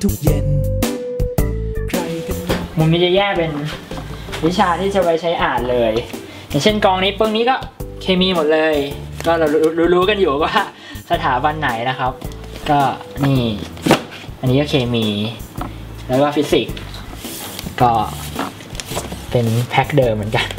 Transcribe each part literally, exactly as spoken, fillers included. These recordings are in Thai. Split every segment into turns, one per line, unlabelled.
ทุกเย็นใครกันมุมนี้จะแยกเป็นวิชาที่จะไว้ใช้อ่านเลยอย่างเช่นกองนี้ปึ้งนี้ก็เคมีหมดเลยก็เรารู้ๆกันอยู่ว่าสถาบันไหนนะครับก็นี่อันนี้ก็เคมีแล้วก็ฟิสิกส์ก็เป็นแพ็คเดิมเหมือนกัน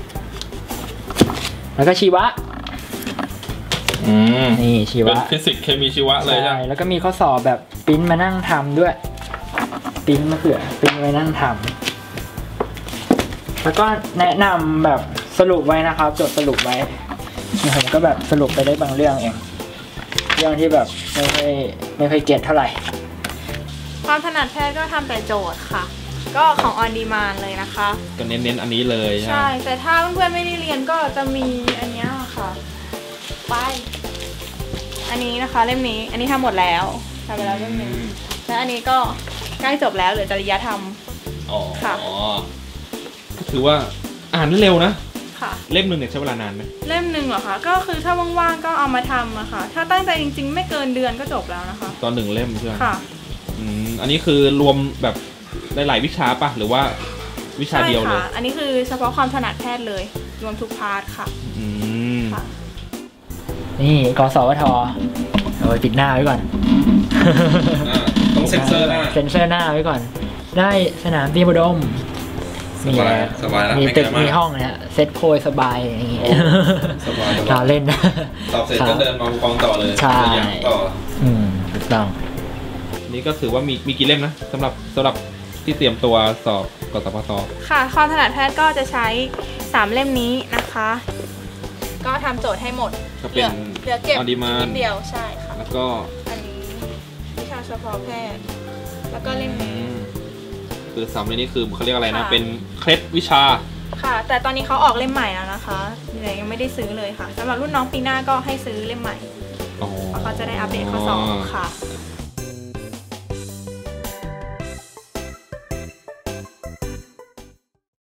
แล้วก็ชีวะ
อืม
นี่ชีวะ
เป็นฟิสิกส์เคมีชีวะเลยใช่
แล้วก็มีข้อสอบแบบปริ้นมานั่งทำด้วยปริ้นมาเผื่อปริ้นไว้นั่งทำแล้วก็แนะนำแบบสรุปไว้นะครับจดสรุปไว้ผมก็แบบสรุปไปได้บางเรื่องเองเรื่องที่แบบไม่ค่อยไม่ค่อยเก็ตเท่าไหร่
ความถนัดแพทย์ก็ทำแต่โจทย์ค่ะก็ของออนดีมานเลยนะคะ
ก็เน้นๆอันนี้เลย
ใช่แต่ถ้าเพื่อนๆไม่ได้เรียนก็จะมีอันนี้ค่ะไปอันนี้นะคะเล่มนี้อันนี้ทำหมดแล้วทำไปแล้วเล่มนึงและอันนี้ก็ใกล้จบแล้วเหลือจริยธรรม
อ๋อค่ะก็ถือว่าอ่านได้เร็วนะ
ค่ะ
เล่มหนึ่งเนี่ยใช้เวลานานไหม
เล่มหนึ่งเหรอคะก็คือถ้าว่างๆก็เอามาทำอะค่ะถ้าตั้งใจจริงๆไม่เกินเดือนก็จบแล้วนะคะ
ตอนหนึ่งเล่มใช่ไหม
ค่ะ
อืมอันนี้คือรวมแบบหลายๆวิชาปะหรือว่าวิชาเดียวเลย
อันนี้คือเฉพาะความถนัดแพทย์เลยรวมทุกพาร์ทค่ะ
อืมค่ะ
นี่กสวทเอาไปปิดหน้าไว้ก่อน
ต้องเซ็นเซอร์หน้า
เซ็นเซอร์หน้าไว้ก่อนได้สนามบินบดม
สบายสบายแล้ว
มีตึกมีห้องเนี่ยเซ็ตโพยสบายอย่างงี้
สบาย
เราเล่น
สอบเสร็จก็เดินมากองต่อเลย
ใช่
ต่อ
อืมถูกต้อง
นี่ก็ถือว่ามีมีกี่เล่มนะสำหรับสำหรับที่เตรียมตัวสอบกสพท
ค่ะความถนัดแพทย์ก็จะใช้สามเล่มนี้นะคะก็ทำโจทย์ให้หมด
เหลือ
เหลือเก็บนิดเดียวใช่ค่ะ
แล้วก็
อันนี้วิชาเฉพาะแพทย์แล้วก็เล่มนี้
คือสามเล่มนี้คือเขาเรียกอะไรนะเป็นเคล็ดวิชา
ค่ะแต่ตอนนี้เขาออกเล่มใหม่แล้วนะคะยังไม่ได้ซื้อเลยค่ะสำหรับรุ่นน้องปีหน้าก็ให้ซื้อเล่มใหม่เพราะเขาจะได้อัปเดตข้อสอบค่ะ